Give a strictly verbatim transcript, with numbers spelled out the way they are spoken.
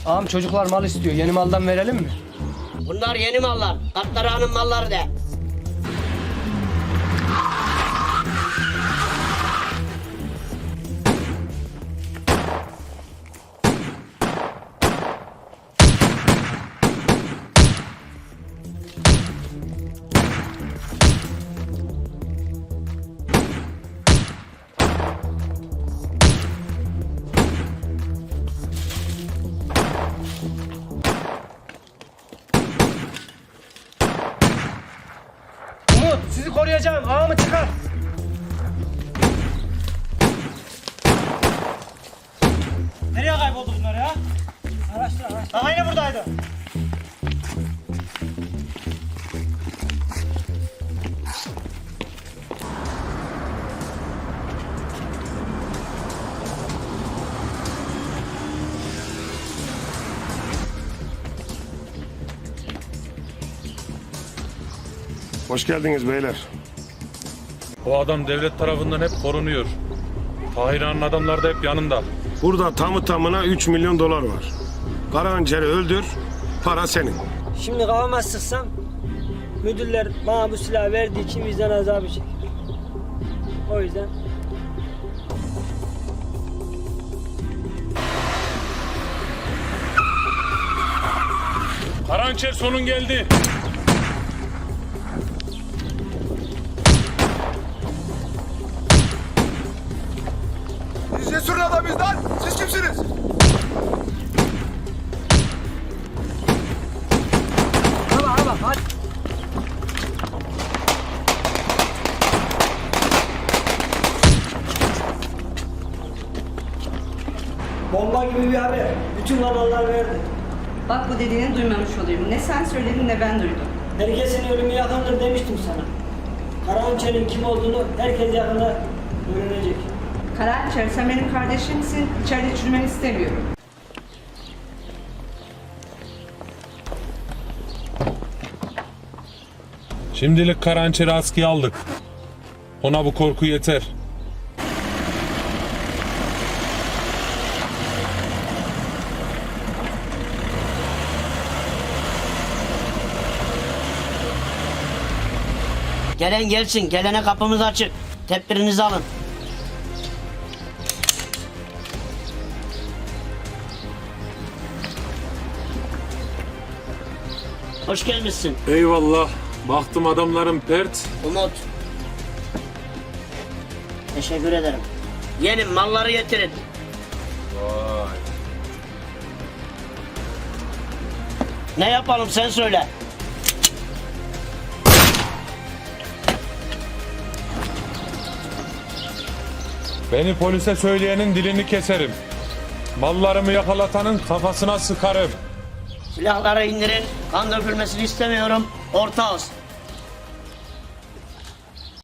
Ağam çocuklar mal istiyor. Yeni maldan verelim mi? Bunlar yeni mallar. Katlara'nın malları de. Umut sizi koruyacağım. Ağamı çıkar. Nereye kayboldu bunlar ya? Araştır araştır. Daha yine buradaydı. Hoş geldiniz beyler. O adam devlet tarafından hep korunuyor. Tahir Ağa'nın adamları da hep yanında. Burada tamı tamına üç milyon dolar var. Karahançer'i öldür, para senin. Şimdi kafama sıksam müdürler bana bu silahı verdiği için vicdan azabı çekiyor. O yüzden Karahançer sonun geldi. Biz cesurun adamıyız lan. Siz kimsiniz? hava hava hadi. Bomba gibi bir haber. Bütün kanallar verdi. Bak bu dediğini duymamış olayım. Ne sen söyledin ne ben duydum. Herkesin ölümü yakındır demiştim sana. Karahançer'in kim olduğunu herkes yakında öğrenecek. Karahançer sen benim kardeşimsin. İçeride çürümeni istemiyorum. Şimdilik Karahançer'i askıya aldık. Ona bu korku yeter. Gelen gelsin. Gelene kapımız açık. Tedbirinizi alın. Hoş gelmişsin Eyvallah. Baktım adamların pert. Umut. Teşekkür ederim. Yeni malları getirin. Vay. Ne yapalım sen söyle. Beni polise söyleyenin dilini keserim. Mallarımı yakalatanın kafasına sıkarım. Silahları indirin. Kan dökülmesini istemiyorum. Ortağız.